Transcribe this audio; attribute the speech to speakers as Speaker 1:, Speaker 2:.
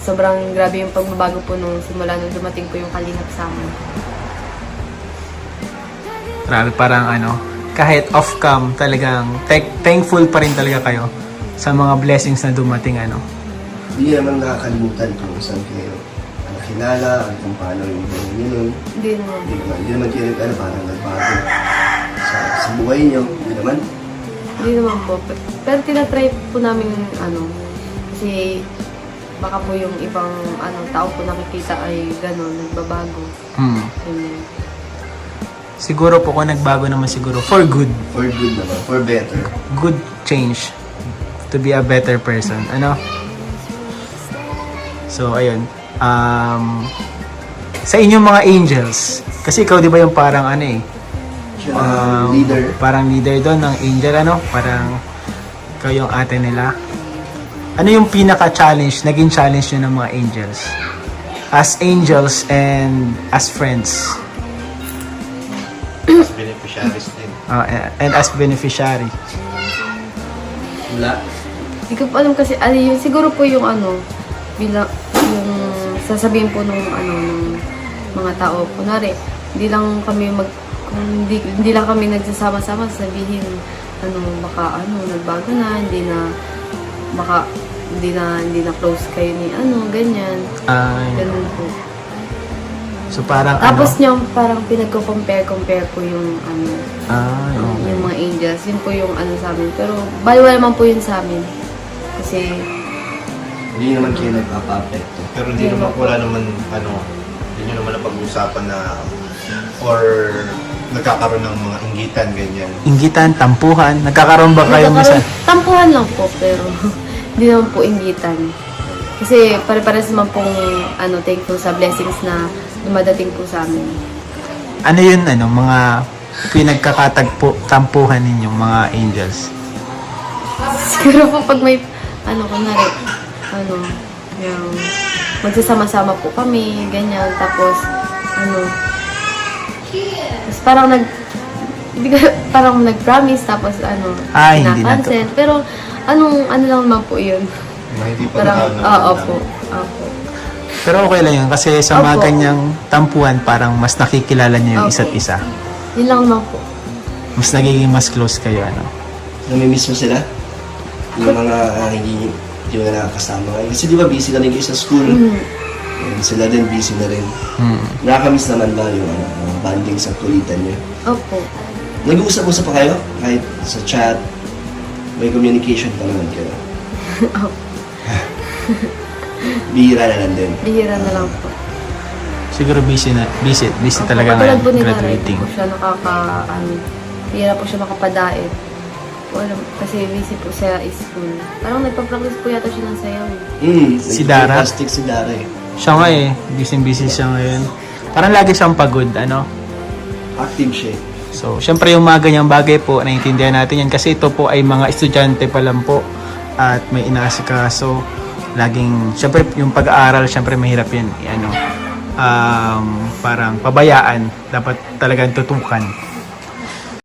Speaker 1: sobrang grabe yung pagbabago po nung simula nung dumating po yung Kalingap sa amin.
Speaker 2: Grabe, parang kahit off-cam, talagang thankful pa rin talaga kayo sa mga blessings na dumating,
Speaker 3: Hindi naman nakakalimutan kung saan kayo nakilala, at kung paano yung buhay nyo nun.
Speaker 1: Hindi naman.
Speaker 3: Hindi naman kayo parang nagbago sa buhay nyo. Hindi naman.
Speaker 1: Hindi naman po. Pero tinatry po namin kasi baka po yung ibang tao po nakikita ay gano'n, nagbabago. Ganyan.
Speaker 2: Siguro po kung nagbago naman siguro for good.
Speaker 3: For good naman. For better.
Speaker 2: Good change to be a better person. So, ayun. Sa inyong mga angels, kasi ikaw di ba yung parang
Speaker 3: Leader.
Speaker 2: parang leader doon ng angel, parang ikaw yung ate nila. Ano yung pinaka-challenge, naging challenge nyo ng mga angels? As angels and as friends.
Speaker 4: As beneficiaries din.
Speaker 2: And as beneficiary.
Speaker 3: Wala.
Speaker 1: Hindi ko pa alam kasi, siguro po yung bilang, yung sasabihin po nung mga tao. Kunwari, hindi lang kami hindi lang kami nagsasama-sama sabihin, baka nagbago na, hindi na close kayo ni ganyan. Ganun po.
Speaker 2: So parang
Speaker 1: Tapos parang pinagko-compare po yung
Speaker 2: okay.
Speaker 1: yung mga angels. Yun po yung sa amin. Pero baliwala naman po yun sa amin. Kasi
Speaker 3: Hindi naman kayo nagpapa-apekto.
Speaker 4: Pero hindi naman, wala naman, hindi nyo naman napag-usapan na, or nagkakaroon ng mga inggitan, ganyan.
Speaker 2: Inggitan, tampuhan, nagkakaroon ba kayo minsan?
Speaker 1: tampuhan lang po, pero hindi naman po inggitan. Kasi pare-pares naman pong thankful sa blessings na dumadating po sa amin.
Speaker 2: Ano yun, mga pinagkakatagpo-tampuhan ninyong mga angels?
Speaker 1: Siguro po pag may, yung magsasama-sama po kami, ganyan, tapos, tapos parang nag-promise, tapos,
Speaker 2: hindi na to.
Speaker 1: na-cancel, pero, lang naman po yun.
Speaker 4: Hindi pa
Speaker 1: Parang,
Speaker 4: nakakaalam.
Speaker 1: opo.
Speaker 2: Pero okay lang yun, kasi sa mga
Speaker 1: Opo.
Speaker 2: ganyang tampuhan, parang mas nakikilala niyo yung
Speaker 1: Opo.
Speaker 2: isa't isa.
Speaker 1: Yun lang naman po.
Speaker 2: Mas nagiging mas close kayo,
Speaker 3: Namimiss mo sila? Yung mga hindi mo na nakakasama ngayon. Kasi di ba busy ka rin kayo sa school? And sila din busy na rin. Nakakamiss naman ba yung bonding sa kulitan niyo?
Speaker 1: Opo.
Speaker 3: Nag-uusap-usap pa kayo? Kahit sa chat? May communication pa naman kayo? Bihira na lang din.
Speaker 1: Bihira na lang po.
Speaker 2: Siguro busy talaga
Speaker 1: Katulad
Speaker 2: ngayon,
Speaker 1: po ni Nanay,
Speaker 2: graduating.
Speaker 1: po siya bihira po siya makapadaet. Kasi busy po sa school. Parang nagpa-practice po yata siya ng sayaw.
Speaker 2: Si Dara?
Speaker 3: Plastic si Dara eh.
Speaker 2: Siya nga busy siya ngayon. Parang lagi siyang pagod,
Speaker 3: Active siya eh.
Speaker 2: So, syempre yung mga ganyang bagay po, naiintindihan natin yan. Kasi ito po ay mga estudyante pa lang po at may inaasikaso. Laging, syempre yung pag-aaral, syempre mahirap yan. Parang pabayaan. Dapat talagang tutukan.